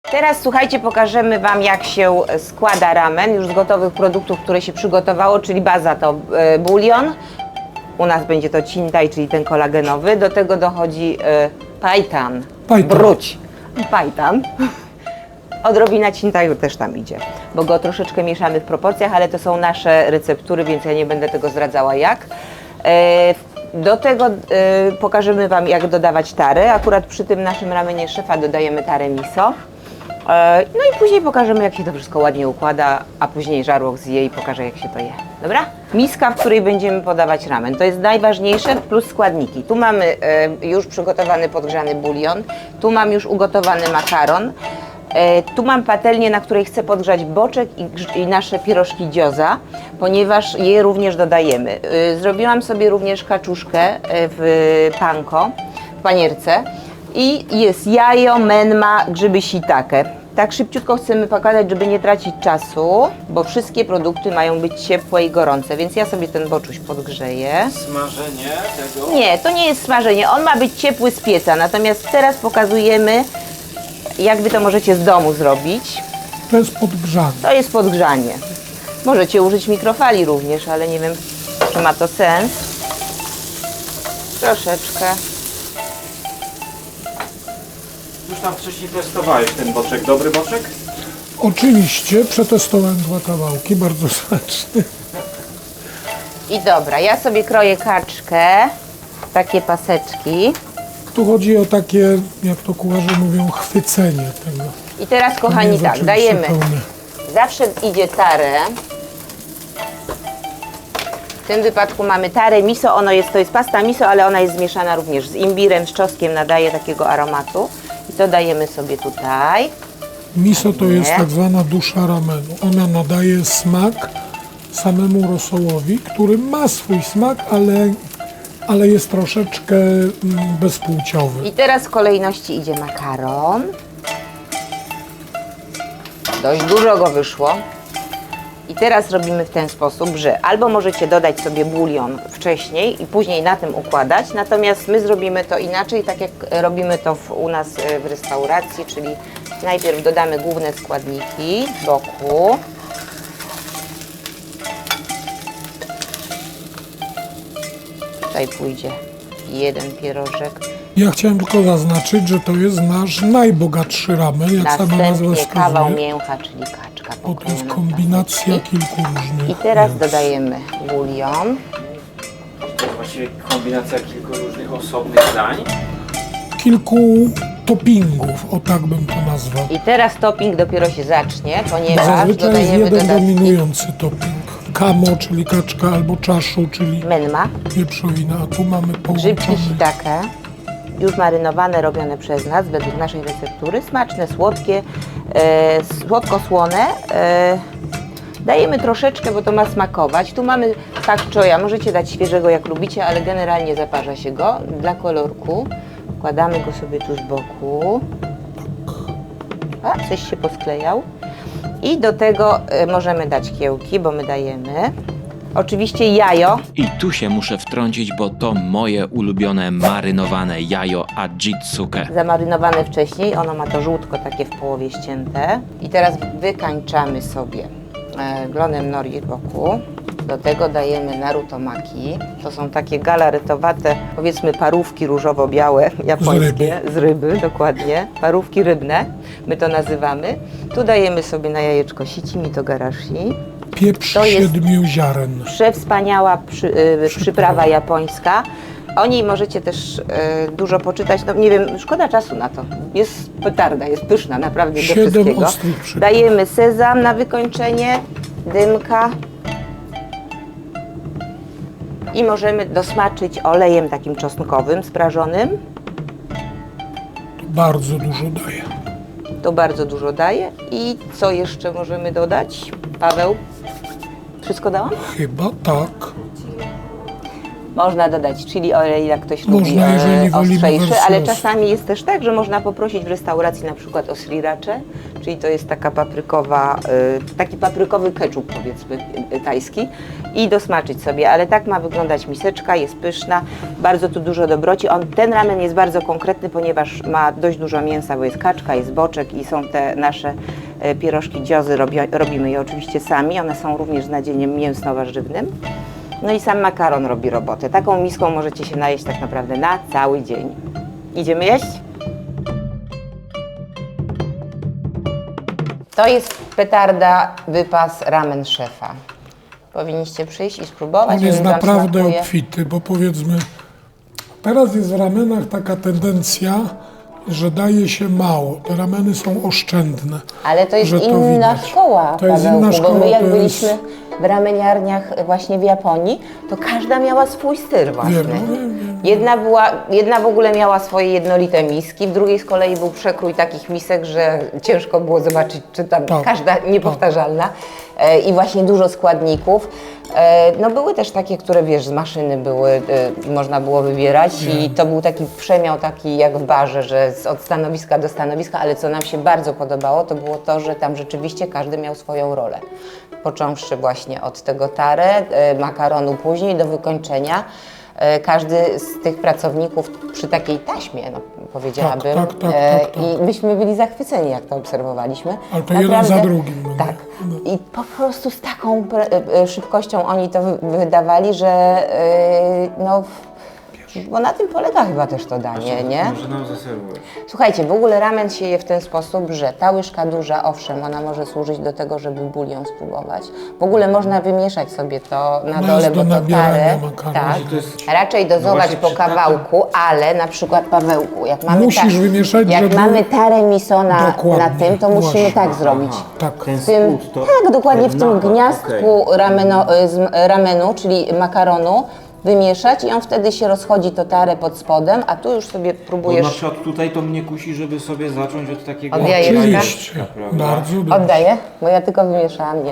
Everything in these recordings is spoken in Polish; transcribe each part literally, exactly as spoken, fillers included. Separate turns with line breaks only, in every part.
Teraz słuchajcie, pokażemy Wam, jak się składa ramen już z gotowych produktów, które się przygotowało, czyli baza to e, bulion. U nas będzie to cintaj, czyli ten kolagenowy. Do tego dochodzi e, pajtan,
Pajtan.
bruć, pajtan. Odrobina cintaju też tam idzie, bo go troszeczkę mieszamy w proporcjach, ale to są nasze receptury, więc ja nie będę tego zdradzała jak. E, do tego e, pokażemy Wam, jak dodawać tarę. Akurat przy tym naszym ramenie szefa dodajemy tarę miso. No i później pokażemy, jak się to wszystko ładnie układa, a później żarłok zje i pokaże, jak się to je. Dobra? Miska, w której będziemy podawać ramen. To jest najważniejsze, plus składniki. Tu mamy e, już przygotowany podgrzany bulion, tu mam już ugotowany makaron, e, tu mam patelnię, na której chcę podgrzać boczek i, grz- i nasze pierożki gioza, ponieważ je również dodajemy. E, zrobiłam sobie również kaczuszkę e, w panko, w panierce. I jest jajo, menma, grzyby shiitake. Tak szybciutko chcemy pokazać, żeby nie tracić czasu, bo wszystkie produkty mają być ciepłe i gorące, więc ja sobie ten boczuś podgrzeję.
Smażenie tego?
Nie, to nie jest smażenie, on ma być ciepły z pieca, natomiast teraz pokazujemy, jak Wy to możecie z domu zrobić.
To jest podgrzane.
To jest podgrzanie. Możecie użyć mikrofali również, ale nie wiem, czy ma to sens. Troszeczkę.
Już tam wcześniej testowałeś ten boczek. Dobry boczek?
Oczywiście przetestowałem dwa kawałki, bardzo smaczny.
I dobra, ja sobie kroję kaczkę, takie paseczki.
Tu chodzi o takie, jak to kucharze mówią, chwycenie tego.
I teraz,
To nie
kochani,
jest
tak,
oczywiście
dajemy.
pełne.
Zawsze idzie tarę. W tym wypadku mamy tarę miso, ono jest, to jest pasta miso, ale ona jest zmieszana również z imbirem, z czosnkiem, nadaje takiego aromatu. I to dajemy sobie tutaj.
Miso to jest
Nie.
tak zwana dusza ramenu. Ona nadaje smak samemu rosołowi, który ma swój smak, ale, ale jest troszeczkę mm, bezpłciowy.
I teraz w kolejności idzie makaron. Dość dużo go wyszło. I teraz robimy w ten sposób, że albo możecie dodać sobie bulion wcześniej i później na tym układać, natomiast my zrobimy to inaczej, tak jak robimy to w, u nas w restauracji, czyli najpierw dodamy główne składniki z boku. Tutaj pójdzie jeden pierożek.
Ja chciałem tylko zaznaczyć, że to jest nasz najbogatszy ramen, jak sama nazwa
Następnie kawał
wskazuje.
mięcha, czyli kaczka.
Bo to jest
pokrojona
kombinacja
paseczki.
kilku różnych
I teraz
mięs.
dodajemy bulion.
To jest właściwie kombinacja kilku różnych osobnych dań.
Kilku toppingów, o tak bym to nazwał.
I teraz topping dopiero się zacznie,
Bo
ponieważ
zazwyczaj jest
dodajemy
jeden
dodatki
dominujący topping. Kamo, czyli kaczka, albo czaszu, czyli
menma,
wieprzowina, a tu mamy
grzybki
połączone.
shiitake, już marynowane, robione przez nas, według naszej receptury, smaczne, słodkie, e, słodko-słone. E, dajemy troszeczkę, bo to ma smakować. Tu mamy pak choya, możecie dać świeżego jak lubicie, ale generalnie zaparza się go dla kolorku. Wkładamy go sobie tu z boku. A, coś się posklejał. I do tego e, możemy dać kiełki, bo my dajemy. Oczywiście jajo.
I tu się muszę wtrącić, bo to moje ulubione marynowane jajo Ajitsuke.
Zamarynowane wcześniej, ono ma to żółtko takie w połowie ścięte. I teraz wykańczamy sobie e, glonem nori boku. Do tego dajemy narutomaki. To są takie galaretowate, powiedzmy parówki różowo-białe, japońskie, z ryby. dokładnie. Parówki rybne, my to nazywamy. Tu dajemy sobie na jajeczko sici mitogarashi.
Pieprz
to jest-
siedmiu ziaren.
Przewspaniała przy, y, przyprawa japońska. O niej możecie też y, dużo poczytać. No nie wiem, szkoda czasu na to. Jest petarda, jest pyszna naprawdę do
Siedem
wszystkiego.
ostrych przypraw.
Dajemy sezam na wykończenie, dymka i możemy dosmaczyć olejem takim czosnkowym, sprażonym.
Bardzo dużo daje.
To bardzo dużo daje. I co jeszcze możemy dodać? Paweł? Wszystko dałam?
Chyba tak.
Można dodać chili oil, jak ktoś
Można,
lubi e,
jeżeli wolimy
ostrzejszy,
wersję
ale
ostry.
czasami jest też tak, że można poprosić w restauracji na przykład o sriracze, czyli to jest taka paprykowa, y, taki paprykowy keczup, powiedzmy, y, tajski, i dosmaczyć sobie, ale tak ma wyglądać miseczka, jest pyszna, bardzo tu dużo dobroci. On, ten ramen jest bardzo konkretny, ponieważ ma dość dużo mięsa, bo jest kaczka, jest boczek i są te nasze y, pierożki dziozy, robi, robimy je oczywiście sami, one są również z nadzieniem mięsno-warzywnym. No i sam makaron robi robotę. Taką miską możecie się najeść tak naprawdę na cały dzień. Idziemy jeść? To jest petarda, wypas ramen szefa. Powinniście przyjść i spróbować.
On jest
on wam
naprawdę
smakuje.
obfity, bo powiedzmy, teraz jest w ramenach taka tendencja, że daje się mało. Te rameny są oszczędne.
Ale to jest
że to
inna
widać.
szkoła,
To jest
Pawełku,
inna szkoła,
bo my jak
to
byliśmy
jest-
w rameniarniach właśnie w Japonii, to każda miała swój styl własny.
Wiem, no wiem, wiem.
Jedna, była, jedna w ogóle miała swoje jednolite miski, w drugiej z kolei był przekrój takich misek, że ciężko było zobaczyć, czy tam
Tak,
każda niepowtarzalna. E, I właśnie dużo składników. E, no były też takie, które wiesz, z maszyny były, e, można było wybierać i to był taki przemiał taki jak w barze, że z, od stanowiska do stanowiska, ale co nam się bardzo podobało, to było to, że tam rzeczywiście każdy miał swoją rolę. Począwszy właśnie od tego tare, e, makaronu później do wykończenia. E, Każdy z tych pracowników przy takiej taśmie, no, powiedziałabym,
Tak, tak, tak,
e,
tak, tak.
i myśmy byli zachwyceni, jak to obserwowaliśmy.
Ale to jeden za drugim, no nie?
Tak. I po prostu z taką pre- e, szybkością oni to wy- wydawali, że e, no, bo na tym polega chyba też to danie, nie?
Może nam zaserwujesz.
Słuchajcie, w ogóle ramen się je w ten sposób, że ta łyżka duża, owszem, ona może służyć do tego, żeby bulion spróbować. W ogóle można wymieszać sobie to na
Ona
dole,
jest
bo
do
to
nabierania
tarę,
makaronu.
tak,
To jest-
raczej dozować
właśnie
po
przy takim-
kawałku, ale na przykład Pawełku, jak mamy,
Musisz wymieszać,
jak
żeby-
mamy tarę miso na, na
Dokładnie,
tym, to musimy
właśnie.
tak zrobić.
Tak.
Ten
W tym,
spód to...
tak, dokładnie w tym
Aha,
gniazdku
okej.
rameno, z ramenu, czyli makaronu, wymieszać i on wtedy się rozchodzi to tarę pod spodem, a tu już sobie
Bo na
próbujesz.
przykład tutaj to mnie kusi, żeby sobie zacząć od takiego...
Oddaję
Oczywiście,
prawda?
bardzo dobrze.
Oddaję, bo ja tylko wymieszałam. Nie, nie.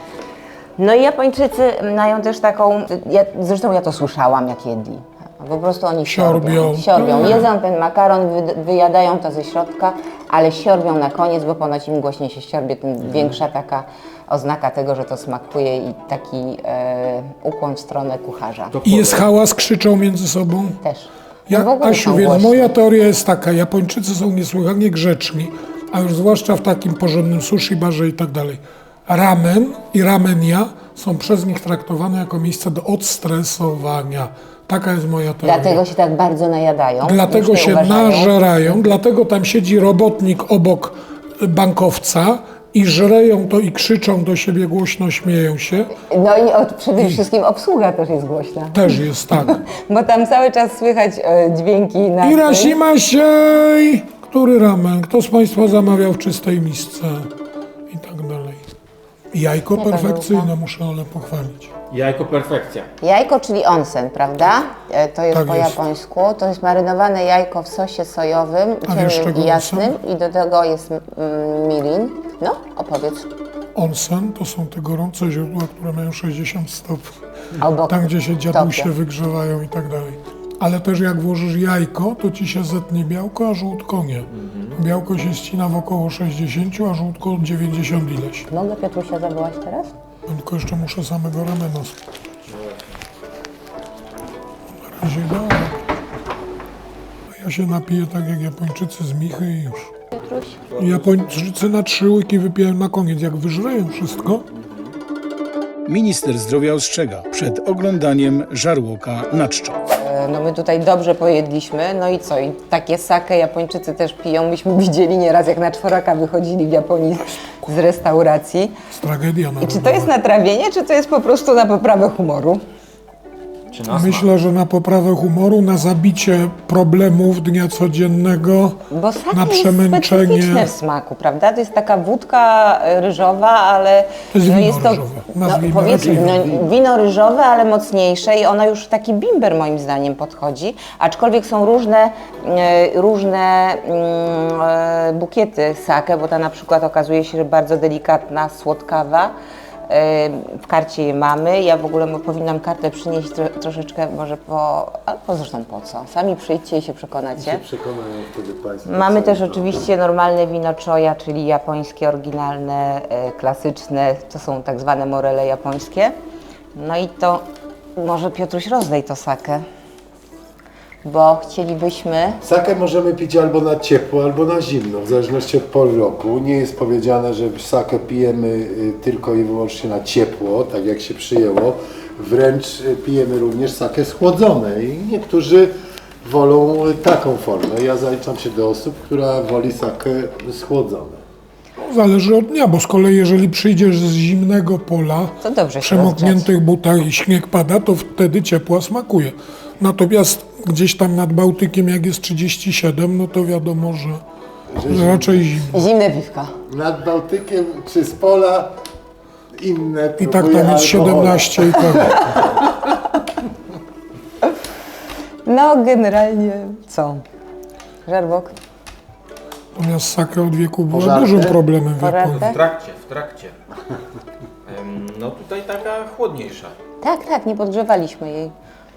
No i Japończycy mają też taką, ja, zresztą ja to słyszałam, jak jedli. Po prostu oni siorbią.
Siorbią.
Siorbią.
Tak.
Jedzą ten makaron, wy, wyjadają to ze środka, ale siorbią na koniec, bo ponoć im głośniej się siorbie, tym większa taka oznaka tego, że to smakuje i taki e, ukłon w stronę kucharza.
To
I jest
powiem.
hałas, krzyczą między sobą.
Też.
Ja,
No w ogóle
Asiu,
są
więc
głośni.
moja teoria jest taka, Japończycy są niesłychanie grzeczni, a już zwłaszcza w takim porządnym sushi barze i tak dalej. Ramen i ramenia są przez nich traktowane jako miejsce do odstresowania. Taka jest moja teoria.
Dlatego się tak bardzo najadają.
Dlatego
już nie
się
uważają.
nażerają, dlatego tam siedzi robotnik obok bankowca i żreją to i krzyczą do siebie głośno, śmieją się.
No i od, przede wszystkim obsługa też jest głośna.
Też jest tak.
Bo tam cały czas słychać e, dźwięki na
Irashimashei! Który ramen? Kto z Państwa zamawiał w czystej misce? I tak dalej. Jajko perfekcyjne, muszę ale pochwalić.
Jajko perfekcja.
Jajko, czyli onsen, prawda? E, To jest
Tak
po
jest.
japońsku. To jest marynowane jajko w sosie sojowym,
A wiesz,
ciemnym
czego
i jasnym. I do tego jest mm, mirin. No, opowiedz.
Onsen to są te gorące źródła, które mają sześćdziesiąt stopni.
Obok
Tam, gdzie się dziadusie
Tokio.
wygrzewają i tak dalej. Ale też jak włożysz jajko, to ci się zetnie białko, a żółtko nie. Białko się ścina w około sześćdziesiąt, a żółtko dziewięćdziesiąt ileś.
Mogę Piotrusia zawołać teraz?
Tylko jeszcze muszę samego ramena spróbować. Na razie dobra. A ja się napiję tak jak Japończycy z Michy i już.
Piotruś?
Japończycy na trzy łyki wypiją na koniec. Jak wyżreją wszystko,
Minister zdrowia ostrzega przed oglądaniem żarłoka na czczo.
E, No my tutaj dobrze pojedliśmy, no i co? I takie sake Japończycy też piją. Myśmy widzieli nieraz, jak na czworaka wychodzili w Japonii z restauracji.
jest tragedia
I
narodowa.
czy to jest natrawienie, czy to jest po prostu na poprawę humoru?
Czy nas
Myślę, że na poprawę humoru, na zabicie problemów dnia codziennego,
Bo sake
na
jest
przemęczenie.
specyficzne w smaku, prawda? To jest taka wódka ryżowa, ale
To jest
no
wino
jest to,
ryżowe.
no,
Nazwijmy
powiedzmy,
raczej
no, wino ryżowe, ale mocniejsze i ono już w taki bimber moim zdaniem podchodzi, aczkolwiek są różne, e, różne mm, e, bukiety sake, bo ta na przykład okazuje się, że bardzo delikatna, słodkawa, W karcie je mamy. Ja w ogóle mo- powinnam kartę przynieść tro, troszeczkę może po... Albo zresztą po co? Sami przyjdźcie i się przekonacie.
Przekonają wtedy Państwo.
Mamy
co
też
to-
oczywiście normalne wino choya, czyli japońskie, oryginalne, e, klasyczne. To są tak zwane morele japońskie. No i to może Piotruś rozdaj to sakę, bo chcielibyśmy...
Sakę możemy pić albo na ciepło, albo na zimno, w zależności od pory roku. Nie jest powiedziane, że sakę pijemy y, tylko i wyłącznie na ciepło, tak jak się przyjęło. Wręcz y, pijemy również sakę schłodzone i niektórzy wolą y, taką formę. Ja zaliczam się do osób, która woli sakę schłodzone.
Zależy od dnia, bo z kolei jeżeli przyjdziesz z zimnego pola,
To dobrze się
w przemokniętych
rozgrzać.
butach i śnieg pada, to wtedy ciepła smakuje. Natomiast gdzieś tam nad Bałtykiem, jak jest trzydzieści siedem, no to wiadomo, że, że raczej zimno.
Zimne piwka.
Nad Bałtykiem czy z pola inne
I tak
próbuję
tam jest
alkohole.
siedemnaście i tak.
No generalnie co? Żarłok?
Natomiast sakę od wieku była
Pożarty?
dużym problemem w
Pożarty?
Japonii.
W trakcie, w trakcie. Em, No tutaj taka chłodniejsza.
Tak, tak, nie podgrzewaliśmy jej.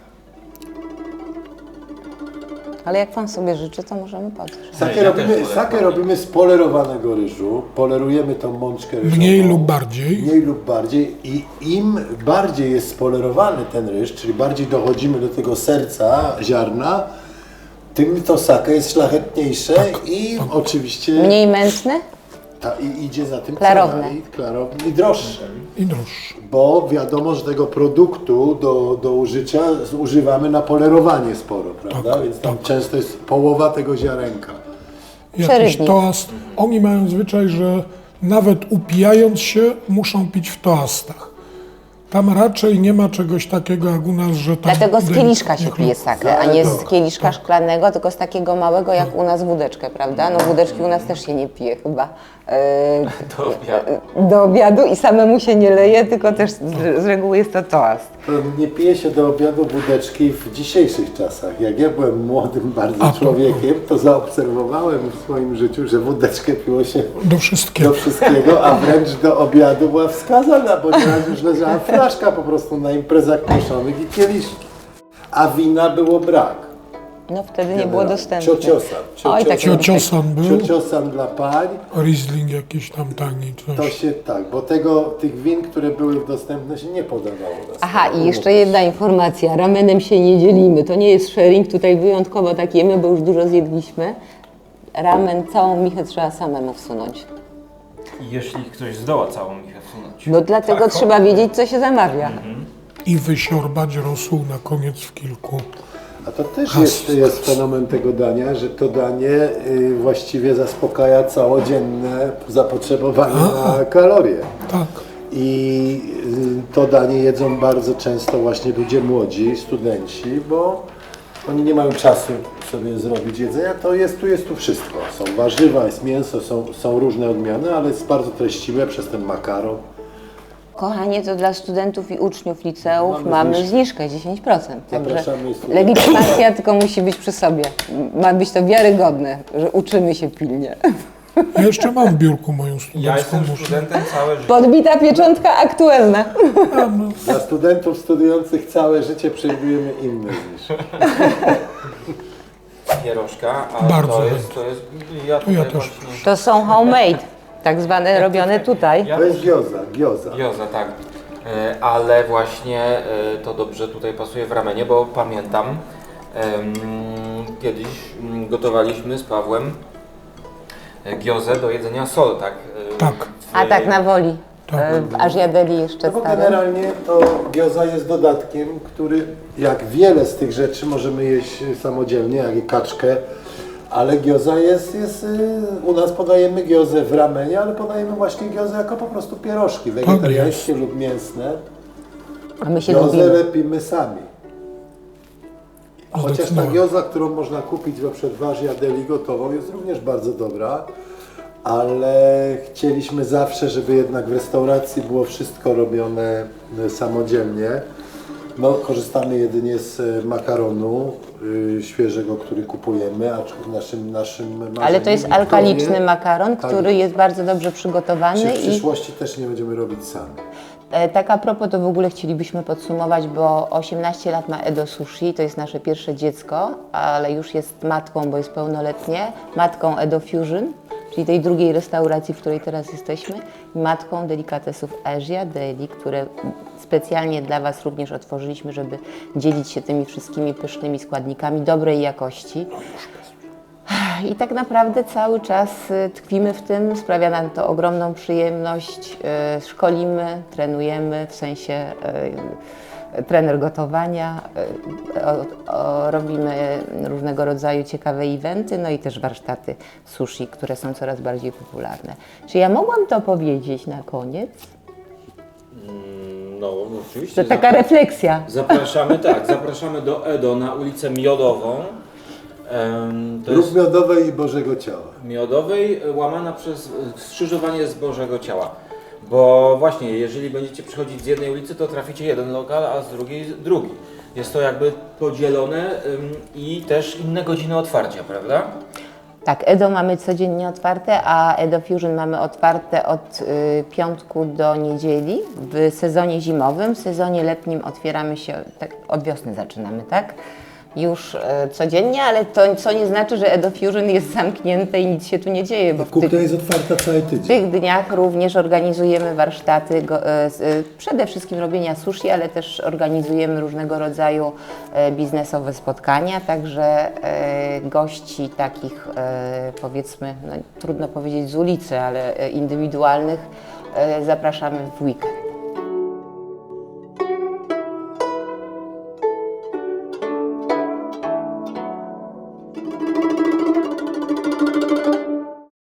Ale jak pan sobie życzy, to możemy podgrzać.
Sakę,
Ja
robimy,
też wolę
sakę robimy z polerowanego ryżu. Polerujemy tą mączkę ryżową.
Mniej lub bardziej.
Mniej lub bardziej. I im bardziej jest spolerowany ten ryż, czyli bardziej dochodzimy do tego serca ziarna, tym to sakę jest szlachetniejsze i oczywiście
Mniej mętne?
ta, i idzie za tym
Klarowne.
cena i klarowne i droższe.
I droższe.
Bo wiadomo, że tego produktu do, do użycia używamy na polerowanie sporo, prawda?
Tak,
Więc tam
tak.
często jest połowa tego ziarenka.
Jakiś
Przerywnik.
toast. Oni mają zwyczaj, że nawet upijając się, muszą pić w toastach. Tam raczej nie ma czegoś takiego jak u nas, że tam...
Dlatego z kieliszka się
delikatnie
pije sakę, a nie z
Tak,
kieliszka szklanego, tylko z takiego małego jak u nas wódeczkę, prawda? No wódeczki u nas też się nie pije chyba e,
Do obiadu.
do obiadu i samemu się nie leje, tylko też z, z reguły jest to toast.
To nie pije się do obiadu wódeczki w dzisiejszych czasach. Jak ja byłem młodym bardzo
A, to-
człowiekiem, to zaobserwowałem w swoim życiu, że wódeczkę piło się
Do wszystkiego.
do wszystkiego, a wręcz do obiadu była wskazana, bo nieraz już leżała flaszka po prostu na imprezach proszonych i kieliszki. A wina było brak.
No wtedy nie było dostępne.
Ciociosan.
Oj, tak
Ciociosan był,
Ciociosan dla pań.
Riesling jakiś tam tani,
To
coś.
się tak, bo tego, tych win, które były dostępne, się nie podawało. na
Aha,
stole.
i jeszcze jedna informacja. Ramenem się nie dzielimy. To nie jest sharing, tutaj wyjątkowo tak jemy, bo już dużo zjedliśmy. Ramen, całą michę trzeba samemu wsunąć.
I jeśli ktoś zdoła całą michę wsunąć.
No dlatego
Tak,
trzeba wiedzieć, co się zamawia.
I wysiorbać rosół na koniec w kilku.
A to też jest, jest fenomen tego dania, że to danie y, właściwie zaspokaja całodzienne zapotrzebowanie na kalorie.
Tak.
I y, to danie jedzą bardzo często właśnie ludzie młodzi, studenci, bo oni nie mają czasu sobie zrobić jedzenia. To jest, tu jest tu wszystko. Są warzywa, jest mięso, są, są różne odmiany, ale jest bardzo treściwe przez ten makaron.
Kochanie, to dla studentów i uczniów liceów mamy,
Mamy
zniżkę,
zniżkę.
dziesięć procent. Także
Zapraszamy studentów.
legitymacja tylko musi być przy sobie. Ma być to wiarygodne, że uczymy się pilnie.
Ja jeszcze mam w biurku moją
Ja
studencką
jestem
muszę.
studentem całe życie.
Podbita pieczątka aktualna.
Dla studentów studiujących całe życie przewidujemy inne zniżki.
Pierożka, a
Bardzo
to
chętnie.
jest, to jest, ja
ja
tutaj
też
właśnie,
To są homemade, tak zwane robione tutaj.
ja
To jest gioza, gioza.
Gioza, tak. E, Ale właśnie e, to dobrze tutaj pasuje w ramenie, bo pamiętam em, kiedyś mm, gotowaliśmy z Pawłem e, giozę do jedzenia sol, tak? E,
Tak.
w-
A tak na woli.
Tak.
E, W Ażjadeli jeszcze
No bo
starym.
generalnie to gioza jest dodatkiem, który jak wiele z tych rzeczy możemy jeść samodzielnie, jak i kaczkę, ale gioza jest, jest y, u nas podajemy giozę w ramenie, ale podajemy właśnie giozę jako po prostu pierożki wegetariańskie lub mięsne.
A my się
Giozę
lubimy.
lepimy sami. Chociaż ta
Zdecydowanie.
gioza, którą można kupić na przykład w Ażjadeli gotową, jest również bardzo dobra, ale chcieliśmy zawsze, żeby jednak w restauracji było wszystko robione e, samodzielnie. No, korzystamy jedynie z e, makaronu y, świeżego, który kupujemy, aczkolwiek naszym, naszym marzeniem
Ale to jest
Wiktorii-
alkaliczny makaron,
Tak.
który jest bardzo dobrze przygotowany
Czy w
i
przyszłości też nie będziemy robić sami.
E, Tak a propos, to w ogóle chcielibyśmy podsumować, bo osiemnaście lat ma Edo Sushi, to jest nasze pierwsze dziecko, ale już jest matką, bo jest pełnoletnie, matką Edo Fusion, czyli tej drugiej restauracji, w której teraz jesteśmy, i matką Delikatesów Asia Deli, które specjalnie dla Was również otworzyliśmy, żeby dzielić się tymi wszystkimi pysznymi składnikami dobrej jakości. I tak naprawdę cały czas y, tkwimy w tym, sprawia nam to ogromną przyjemność, y, szkolimy, trenujemy, w sensie y, trener gotowania, y, o, o, robimy różnego rodzaju ciekawe eventy, no i też warsztaty sushi, które są coraz bardziej popularne. Czy ja mogłam to powiedzieć na koniec?
No, oczywiście.
To taka refleksja.
Zapraszamy, tak, zapraszamy do Edo na ulicę Miodową. Em, To
Lub
jest
miodowej i Bożego Ciała.
Miodowej, łamana przez skrzyżowanie z Bożego Ciała. Bo właśnie, jeżeli będziecie przychodzić z jednej ulicy, to traficie jeden lokal, a z drugiej drugi. Jest to jakby podzielone ym, i też inne godziny otwarcia, prawda?
Tak, Edo mamy codziennie otwarte, a Edo Fusion mamy otwarte od y, piątku do niedzieli w sezonie zimowym. W sezonie letnim otwieramy się, tak, od wiosny zaczynamy, tak? Już y, codziennie, ale to co nie znaczy, że Edo Fusion jest zamknięte i nic się tu nie dzieje, bo w tych,
Kuchnia jest otwarta cały
w
tydzień.
tych dniach również organizujemy warsztaty, go, y, y, przede wszystkim robienia sushi, ale też organizujemy różnego rodzaju y, biznesowe spotkania, także y, gości takich y, powiedzmy, no, trudno powiedzieć z ulicy, ale y, indywidualnych y, zapraszamy w weekend.